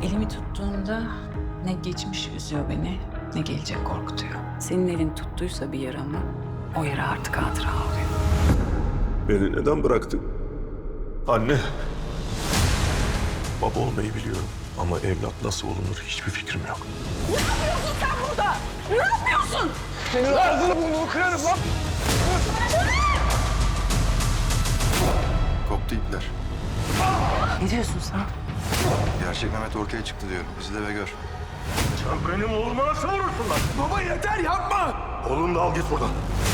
Elimi tuttuğunda ne geçmiş üzüyor beni, ne gelecek korkutuyor. Senin elin tuttuysa bir yaramı, o yara artık hatıra oluyor. Beni neden bıraktın? Anne. Baba olmayı biliyorum ama evlat nasıl olunur hiçbir fikrim yok. Ne yapıyorsun sen burada? Ne yapıyorsun? Senin ağzını burnunu kırarım lan. Koptu ipler. Ne diyorsun sen? Gerçek Mehmet ortaya çıktı diyorum. İzle ve gör. Sen benim oğluma nasıl vurursun lan? Baba yeter yapma. Oğlunu da al git buradan.